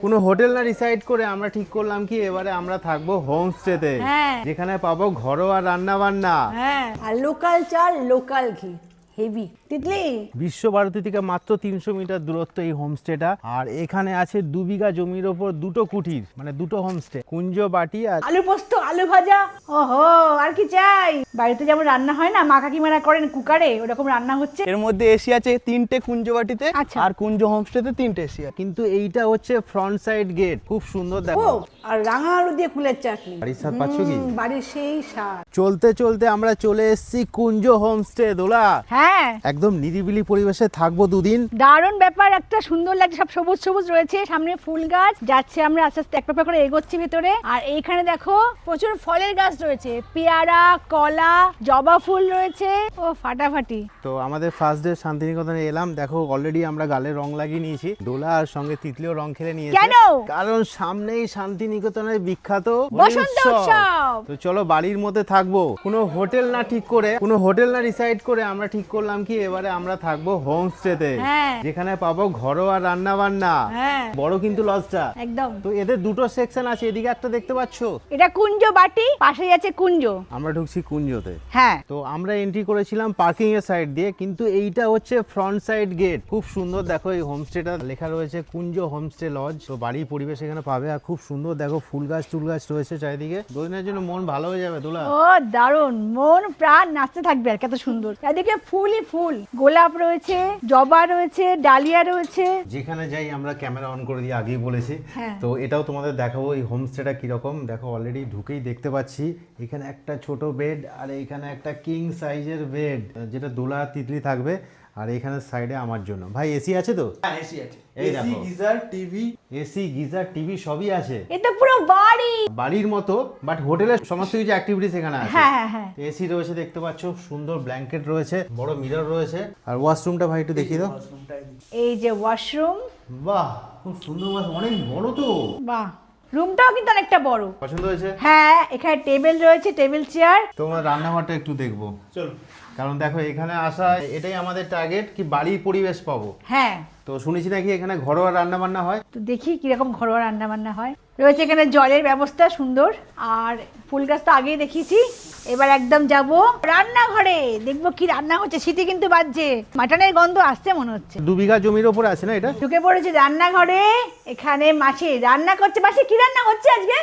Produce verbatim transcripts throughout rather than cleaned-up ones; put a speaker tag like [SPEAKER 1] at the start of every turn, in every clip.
[SPEAKER 1] কোনো হোটেল না ডিসাইড করে আমরা ঠিক করলাম কি এবারে আমরা থাকবো হোমস্টেতে, যেখানে পাবো ঘরোয়া রান্না বান্না,
[SPEAKER 2] হ্যাঁ আর লোকাল চাল লোকাল ঘি হেভি। তিতলি
[SPEAKER 1] বিশ্বভারতী থেকে মাত্র তিনশো মিটার দূরত্ব এই হোমস্টেটা। আর এখানে আছে দু বিঘা জমির ওপর দুটো কুটির, মানে দুটো হোমস্টে, কুঞ্জ বাটি আর
[SPEAKER 2] আলু পোস্ত আলু ভাজা। ওহো আর কি চাই? বাড়িতে যেমন রান্না হয় না মা কাকিমারা করেন কুকারে, ওরকম রান্না হচ্ছে।
[SPEAKER 3] এর মধ্যে এসি আছে তিনটে কুঞ্জবাটিতে,
[SPEAKER 2] আচ্ছা।
[SPEAKER 3] আর কুঞ্জ হোমস্টেতে তিনটে এসি আছে।
[SPEAKER 1] কিন্তু এইটা হচ্ছে ফ্রন্ট সাইড গেট, খুব সুন্দর
[SPEAKER 2] ও
[SPEAKER 1] দেখো।
[SPEAKER 2] আর রাঙা আলু দিয়ে ফুলের চাটনি,
[SPEAKER 1] বাড়ির স্বাদ পাচ্ছ কি?
[SPEAKER 2] হুম, বাড়ির সেই স্বাদ।
[SPEAKER 1] চলতে চলতে আমরা চলে এসেছি কুঞ্জ হোমস্টে। দোলা
[SPEAKER 2] হ্যাঁ
[SPEAKER 1] একদম নিরিবিলি পরিবেশে থাকবো দুদিন।
[SPEAKER 2] দারুণ ব্যাপার, একটা সুন্দর লাগছে, সব সবুজ সবুজ রয়েছে, সামনে ফুল গাছ, যাচ্ছে আমরা আস্তে আস্তে এক পা করে এগোচ্ছি ভেতরে। আর এইখানে দেখো প্রচুর ফলের গাছ রয়েছে, পেয়ারা, কলা, জবা ফুল রয়েছে, ও ফাটাফাটি।
[SPEAKER 1] তো আমাদের ফার্স্ট ডে শান্তিনিকেতনে এলাম, দেখো অলরেডি আমরা গালে রং লাগিয়ে নিয়েছি। দোলা আর সঙ্গে তিতলিও রং খেলে নিয়েছে।
[SPEAKER 2] কেন?
[SPEAKER 1] কারণ সামনেই শান্তিনিকেতনের বিখ্যাত
[SPEAKER 2] বসন্ত উৎসব।
[SPEAKER 1] তো চলো বাড়ির মধ্যে থাকবো, কোনো হোটেল না ঠিক করে, কোনো হোটেল না ডিসাইড করে আমরা ঠিক করলাম কি এবারে আমরা থাকবো হোমস্টেতে,
[SPEAKER 2] হ্যাঁ।
[SPEAKER 1] যেখানে পাবো ঘরোয়া রান্না বান্না।
[SPEAKER 2] হ্যাঁ
[SPEAKER 1] বড় কিন্তু লজটা
[SPEAKER 2] একদম।
[SPEAKER 1] তো এদের দুটো সেকশন আছে, এদিকে একটা দেখতে পাচ্ছো,
[SPEAKER 2] এটা কুঞ্জ বাটি, পাশেই আছে কুঞ্জ।
[SPEAKER 1] আমরা ঢুকছি কুঞ্জতে।
[SPEAKER 2] হ্যাঁ
[SPEAKER 1] তো আমরা এন্ট্রি করেছিলাম পার্কিং এর সাইড দিয়ে, কিন্তু এইটা হচ্ছে ফ্রন্ট সাইড গেট। খুব সুন্দর দেখো, এই হোমস্টেটা লেখা রয়েছে কুঞ্জ হোমস্টে লজ। তো বাড়ির পরিবেশ এখানে পাবে, আর খুব সুন্দর দেখো ফুল গাছ টুল গাছ রয়েছে চারিদিকে। দুদিনের জন্য মন ভালো হয়ে যাবে দোলা।
[SPEAKER 2] ও দারুণ, মন প্রাণ নাচতে থাকবে আর কত সুন্দর। এদিকে ফুলই ফুল, গোলাপ রয়েছে, জবা রয়েছে, ডালিয়া রয়েছে।
[SPEAKER 1] যেখানে যাই আমরা ক্যামেরা অন করে দিয়ে আগেই বলেছি।
[SPEAKER 2] হ্যাঁ।
[SPEAKER 1] তো এটাও তোমাদের দেখাবো এই হোমস্টেটা কিরকম। দেখো অলরেডি ঢুকেই দেখতে পাচ্ছি এখানে একটা ছোট বেড, আর এখানে একটা কিং সাইজের বেড, যেটা দোলা তিতলি থাকবে। আর এখানে সাইডে আমার জন্য ভাই এসি আছে তো?
[SPEAKER 3] হ্যাঁ এসি আছে,
[SPEAKER 1] এই
[SPEAKER 3] এসি
[SPEAKER 1] দেখো।
[SPEAKER 3] Geyser TV.
[SPEAKER 1] AC geyser TV সবই আছে,
[SPEAKER 2] এটা পুরো বাড়ি,
[SPEAKER 1] বাড়ির মতো, বাট হোটেলের সমস্ত কিছু অ্যাক্টিভিটিস এখানে আছে।
[SPEAKER 2] হ্যাঁ হ্যাঁ হ্যাঁ।
[SPEAKER 1] এসি রয়েছে দেখতে পাচ্ছ, সুন্দর ব্ল্যাঙ্কেট রয়েছে, বড় মিরর রয়েছে। আর ওয়াশরুমটা ভাই একটু দেখিয়ে দাও।
[SPEAKER 2] এই যে ওয়াশরুম,
[SPEAKER 1] বাহ খুব সুন্দর, অনেক বড় তো।
[SPEAKER 2] বাহ রুমটাও কিন্তু অনেকটা বড়।
[SPEAKER 1] পছন্দ হয়েছে?
[SPEAKER 2] হ্যাঁ এখানে টেবিল রয়েছে, টেবিল চেয়ার।
[SPEAKER 1] তোমার রান্নাঘরটা একটু দেখবো
[SPEAKER 3] চলো।
[SPEAKER 1] কারণ দেখো এখানে আসা এটাই আমাদের টার্গেট, কি বাড়ির পরিবেশ পাবো।
[SPEAKER 2] হ্যাঁ
[SPEAKER 1] তো শুনেছি নাকি এখানে ঘরোয়া রান্না বান্না হয়।
[SPEAKER 2] তো দেখি কিরকম ঘরোয়া রান্না বান্না হয়। রয়েছে এখানে জলের ব্যবস্থা সুন্দর, আর ফুল গাছ তো আগেই দেখিয়েছি। এবার একদম যাব রান্নাঘরে, দেখবো কি রান্না হচ্ছে। শীতে কিন্তু বাজছে, মাটনের গন্ধ আসছে মনে হচ্ছে।
[SPEAKER 1] দু বিঘা জমির ওপরে আছে না এটা?
[SPEAKER 2] ঢুকে পড়েছে রান্নাঘরে, এখানে মাছে রান্না করছে। মাছে কি রান্না হচ্ছে আজকে?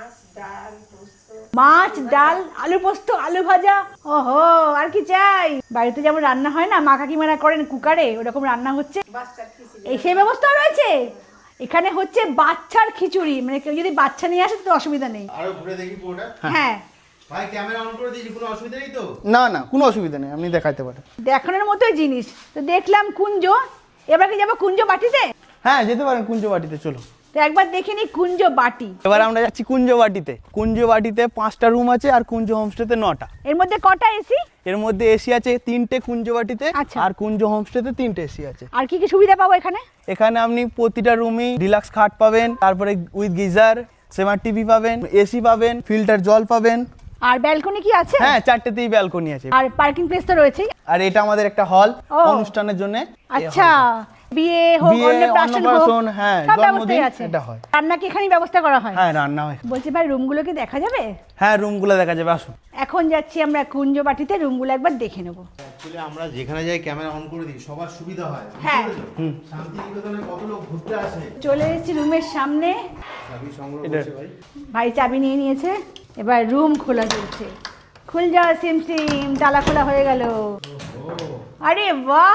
[SPEAKER 2] মাছ ডাল আলু পোস্ত আলু ভাজা। ওহো আর কি চাই? বাড়িতে যেমন রান্না হয় না মা কাকিমারা করেন কুকারে, ওরকম রান্না হচ্ছে। এই সেই ব্যবস্থা রয়েছে। এখানে হচ্ছে বাচ্চার খিচুড়ি, মানে কেউ যদি বাচ্চা নিয়ে আসে তো অসুবিধা নেই।
[SPEAKER 1] আরো ঘুরে দেখি পুরোটা।
[SPEAKER 2] হ্যাঁ
[SPEAKER 1] ভাই ক্যামেরা অন করে দিয়েছি, কোনো অসুবিধা নেই তো?
[SPEAKER 3] না না কোনো অসুবিধা নেই, আপনি দেখাতে পারেন।
[SPEAKER 2] দেখানোর মতোই জিনিস। তো দেখলাম কুঞ্জ, এবার কি যাবো কুঞ্জ বাটিতে?
[SPEAKER 3] হ্যাঁ যেতে পারেন কুঞ্জবাটিতে, চলো।
[SPEAKER 2] তো একবার দেখে নি কুঞ্জ বাটি।
[SPEAKER 3] এবার আমরা যাচ্ছি কুঞ্জবাটিতে। কুঞ্জবাটিতে পাঁচটা রুম আছে, আর কুঞ্জ হোমস্টেতে নটা।
[SPEAKER 2] এর মধ্যে কটা এসি?
[SPEAKER 3] এর মধ্যে এসি আছে তিনটে কুঞ্জবাটিতে,
[SPEAKER 2] আচ্ছা।
[SPEAKER 3] আর কুঞ্জ হোমস্টেতে তিনটে এসি আছে।
[SPEAKER 2] আর কি কি সুবিধা পাবো এখানে?
[SPEAKER 3] এখানে আপনি প্রতিটা রুমই ডিলাক্স খাট পাবেন, তারপরে উইথ গিজার, স্মার্ট টিভি পাবেন, এসি পাবেন, ফিল্টার জল পাবেন।
[SPEAKER 2] আর ব্যালকনি কি আছে?
[SPEAKER 3] হ্যাঁ চারটেতেই ব্যালকনি আছে।
[SPEAKER 2] আর পার্কিং প্লেস তো রয়েছেই।
[SPEAKER 3] আর এটা আমাদের একটা হল
[SPEAKER 2] ও।
[SPEAKER 3] অনুষ্ঠানের জন্য।
[SPEAKER 2] আচ্ছা বিয়ে হোক,
[SPEAKER 3] বিয়ে,
[SPEAKER 2] অন্নপ্রাশন হোক,
[SPEAKER 3] অন্নপ্রাশন, হ্যাঁ,
[SPEAKER 2] সব
[SPEAKER 3] জন্মদিন,
[SPEAKER 2] ব্যবস্থাই আছে।
[SPEAKER 3] এটা হয়।
[SPEAKER 2] রান্না কি এখানেই ব্যবস্থা করা হয়?
[SPEAKER 3] হ্যাঁ রান্না হয়।
[SPEAKER 2] বলছি ভাই রুমগুলো কি দেখা যাবে?
[SPEAKER 3] হ্যাঁ রুমগুলো দেখা যাবে, আসুন।
[SPEAKER 2] এখন যাচ্ছি আমরা কুঞ্জ বাটিতে, রুমগুলো একবার দেখে নেবো।
[SPEAKER 1] অ্যাকচুয়ালি আমরা যেখানে যাই ক্যামেরা অন করে দিই, সবার সুবিধা হয়।
[SPEAKER 2] হ্যাঁ।
[SPEAKER 1] হুম। শান্তিনিকেতনে কত লোক ঘুরতে আসে।
[SPEAKER 2] চলে এসেছি রুমের সামনে,
[SPEAKER 1] চাবি সংগ্রহ
[SPEAKER 3] এটা-
[SPEAKER 1] করছে ভাই।
[SPEAKER 2] ভাই চাবি নিয়ে নিয়েছে। এবার রুম খোলা চলছে। খুল যাও সিম সিম, তালা খোলা হয়ে গেল। আরে বাহ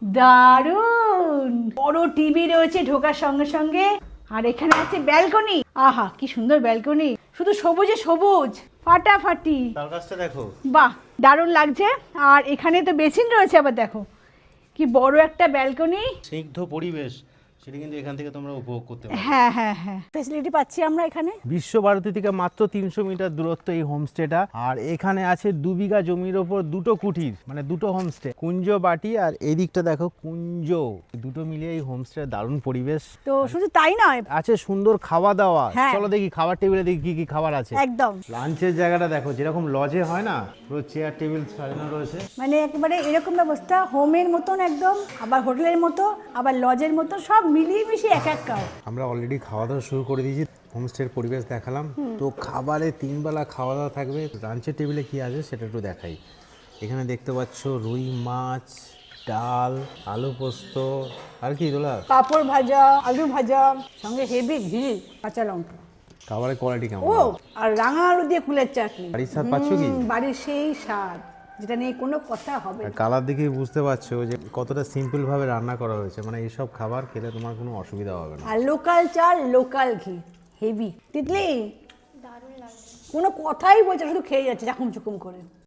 [SPEAKER 2] দারুন, বড় টিভি রয়েছে ঢোকার সঙ্গে সঙ্গে। আর এখানে আছে ব্যালকনি। আহা কি সুন্দর ব্যালকনি, শুধু সবুজে সবুজ, ফাটাফাটি।
[SPEAKER 1] তার কাছটা দেখো।
[SPEAKER 2] বাহ দারুণ লাগছে। আর এখানে তো বেসিন রয়েছে, আবার দেখো কি বড় একটা ব্যালকনি।
[SPEAKER 1] স্নিগ্ধ পরিবেশ, সেটা কিন্তু এখান থেকে তোমরা উপভোগ করতে পারো।
[SPEAKER 2] হ্যাঁ হ্যাঁ হ্যাঁ ফেসিলিটি পাচ্ছি আমরা এখানে।
[SPEAKER 1] বিশ্বভারতী থেকে মাত্র তিনশো মিটার দূরত্ব এই হোমস্টেটা। আর এখানে আছে দু বিঘা জমির ওপর দুটো কুটির, মানে দুটো হোমস্টে, কুঞ্জ বাটি আর এই দিকটা দেখো কুঞ্জ, দুটো মিলিয়ে এই হোমস্টে দারুণ পরিবেশ।
[SPEAKER 2] তো শুধু তাই নয়,
[SPEAKER 1] আছে সুন্দর খাওয়া দাওয়া।
[SPEAKER 2] হ্যাঁ।
[SPEAKER 1] চলো দেখি খাবার টেবিলে দেখি কি কি খাবার আছে।
[SPEAKER 2] একদম
[SPEAKER 1] লাঞ্চের জায়গাটা দেখো, যেরকম লজে হয় না, পুরো চেয়ার টেবিল সাজানো রয়েছে।
[SPEAKER 2] মানে একেবারে এরকম ব্যবস্থা, হোমের মতন একদম, আবার হোটেলের মতো, আবার লজের মতো, সব মিলিয়ে মিশিয়ে এক এক কাপ।
[SPEAKER 1] আমরা অলরেডি খাওয়া দাওয়া শুরু করে দিয়েছি, হোমস্টের পরিবেশ দেখালাম। তো খাবারে তিনবেলা খাওয়া দাওয়া থাকবে। লাঞ্চের টেবিলে কি আছে সেটা একটু দেখাই। এখানে দেখতে পাচ্ছ রুই মাছ, ডাল, আলু পোস্ত, আর কি দোলা?
[SPEAKER 2] পাঁপড় ভাজা, আলু ভাজা, সঙ্গে হেভি ঘি, কাঁচা লঙ্কা।
[SPEAKER 1] খাবারের কোয়ালিটি কেমন?
[SPEAKER 2] ও আর রাঙা আলু দিয়ে ফুলের চাটনি।
[SPEAKER 1] বাড়ির স্বাদ পাচ্ছ কি?
[SPEAKER 2] হুম, বাড়ির সেই স্বাদ, যেটা নিয়ে কোনো কথা হবে না।
[SPEAKER 1] কালার দেখেই বুঝতে পারছো যে কতটা সিম্পল ভাবে রান্না করা হয়েছে। মানে এইসব খাবার খেলে তোমার কোনো অসুবিধা হবে না।
[SPEAKER 2] আর লোকাল চাল, লোকাল ঘি, হেভি। তিতলি কোনো কথাই বলছে, শুধু খেয়ে যাচ্ছে চাকুম চুকুম করে।